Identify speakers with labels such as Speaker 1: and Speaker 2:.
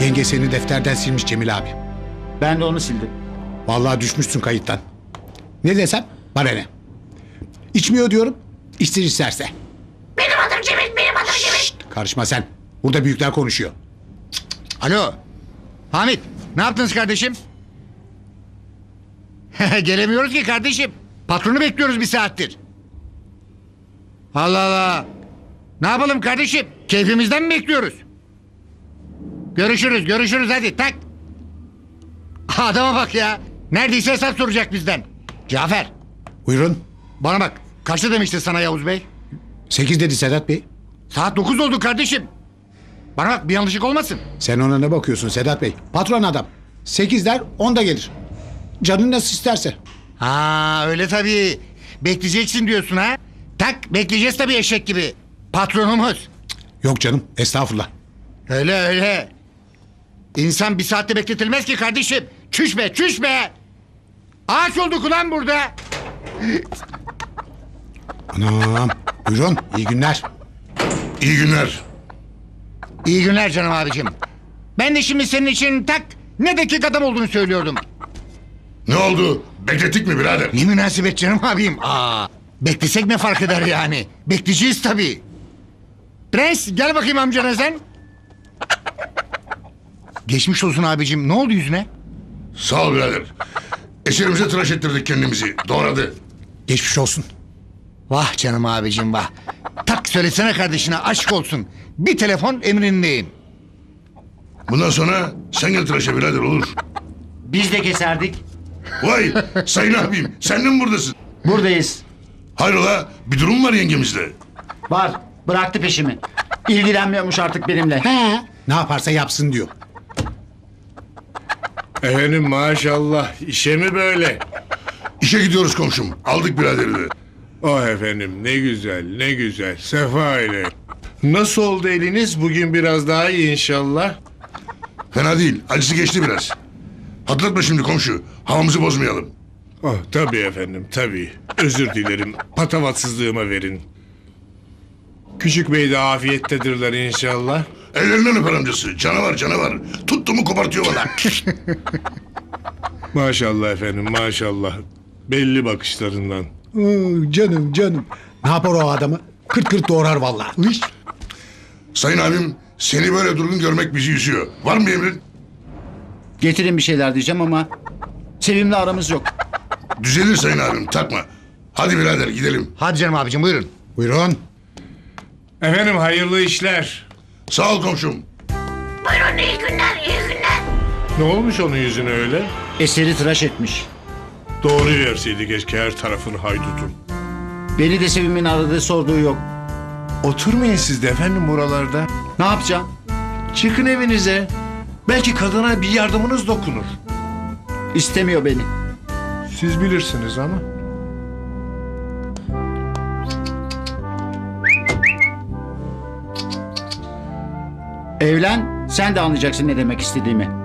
Speaker 1: Yenge seni defterden silmiş Cemil abi.
Speaker 2: Ben de onu sildim.
Speaker 1: Vallahi düşmüşsün kayıttan. Ne desem bana ne. İçmiyor diyorum. İçsin isterse.
Speaker 3: Benim adım Cemil, benim adım Cemil.
Speaker 1: Şşt, karışma sen. Burada büyükler konuşuyor.
Speaker 4: Alo. Hamit, ne yaptınız kardeşim? Gelemiyoruz ki kardeşim. Patronu bekliyoruz bir saattir. Allah Allah. Ne yapalım kardeşim? Keyfimizden mi bekliyoruz? Görüşürüz hadi tak. Adama bak ya. Neredeyse hesap soracak bizden. Cafer,
Speaker 1: Buyurun.
Speaker 4: bana bak. Kaçta demişti sana Yavuz Bey?
Speaker 1: 8 dedi Sedat Bey.
Speaker 4: Saat 9 oldu kardeşim. Bana bak, bir yanlışlık olmasın.
Speaker 1: Sen ona ne bakıyorsun Sedat Bey? Patron adam. 8 der 10'da gelir. Canın nasıl isterse.
Speaker 4: Ha öyle tabii. Bekleyeceksin diyorsun ha. Tak, bekleyeceğiz tabii eşek gibi. Patronumuz.
Speaker 1: Yok canım estağfurullah.
Speaker 4: Öyle. İnsan bir saatte bekletilmez ki kardeşim. Çüş be. Ağaç olduk ulan burada.
Speaker 1: Anam. Buyurun iyi günler.
Speaker 5: İyi günler.
Speaker 4: İyi günler canım abicim. Ben de şimdi senin için tak ne dakik adam olduğunu söylüyordum.
Speaker 5: Ne oldu? Beklettik mi birader?
Speaker 4: Ne münasebet canım abim. Beklesek ne fark eder yani? Bekleyeceğiz tabii. Prens gel bakayım amcana sen. Geçmiş olsun abicim. Ne oldu yüzüne?
Speaker 5: Sağ ol birader. Eserimize tıraş ettirdik kendimizi. Doğradı.
Speaker 1: Geçmiş olsun.
Speaker 4: Vah canım abicim vah. Tak söylesene kardeşine aşk olsun. Bir telefon emrindeyim.
Speaker 5: Bundan sonra sen gel tıraşa birader olur.
Speaker 2: Biz de keserdik.
Speaker 5: Vay sayın abim sen de mi buradasın?
Speaker 2: Buradayız.
Speaker 5: Hayrola bir durum var yengemizle.
Speaker 2: Var. Bıraktı peşimi. İlgilenmiyormuş artık benimle.
Speaker 1: He. Ne yaparsa yapsın diyor.
Speaker 6: Efendim maşallah işe mi böyle?
Speaker 5: İşe gidiyoruz komşum. Aldık biraderi de.
Speaker 6: Oh efendim ne güzel sefa ile. Nasıl oldu eliniz bugün biraz daha iyi inşallah.
Speaker 5: Fena değil. Acısı geçti biraz. Hatırlatma şimdi komşu. Havamızı bozmayalım.
Speaker 6: Oh tabii efendim tabii. Özür dilerim patavatsızlığıma verin. Küçük bey de afiyettedirler inşallah.
Speaker 5: Ellerinden öper amcası. Canavar. Tuttu mu kopartıyor bana.
Speaker 6: Maşallah efendim maşallah. Belli bakışlarından.
Speaker 1: Oo, canım. Ne yapar o adamı? Kırt kırt doğrar vallahi. Üş.
Speaker 5: Sayın abim seni böyle durgun görmek bizi üzüyor. Var mı emrin?
Speaker 2: Getirin bir şeyler diyeceğim ama Sevim'le aramız yok.
Speaker 5: Düzelir sayın abim takma. Hadi birader gidelim.
Speaker 4: Hadi canım abicim buyurun.
Speaker 1: Buyurun.
Speaker 6: Efendim hayırlı işler.
Speaker 5: Sağ ol komşum.
Speaker 3: Buyurun iyi günler, iyi günler.
Speaker 6: Ne olmuş onun yüzüne öyle?
Speaker 2: Eseri tıraş etmiş.
Speaker 6: Doğru verseydi keşke her tarafını haydutun.
Speaker 2: Beni de Sevim'in aradığı sorduğu yok.
Speaker 6: Oturmayın siz de efendim buralarda.
Speaker 2: Ne yapacağım?
Speaker 6: Çıkın evinize. Belki kadına bir yardımınız dokunur.
Speaker 2: İstemiyor beni.
Speaker 6: Siz bilirsiniz ama.
Speaker 2: Evlen, sen de anlayacaksın ne demek istediğimi.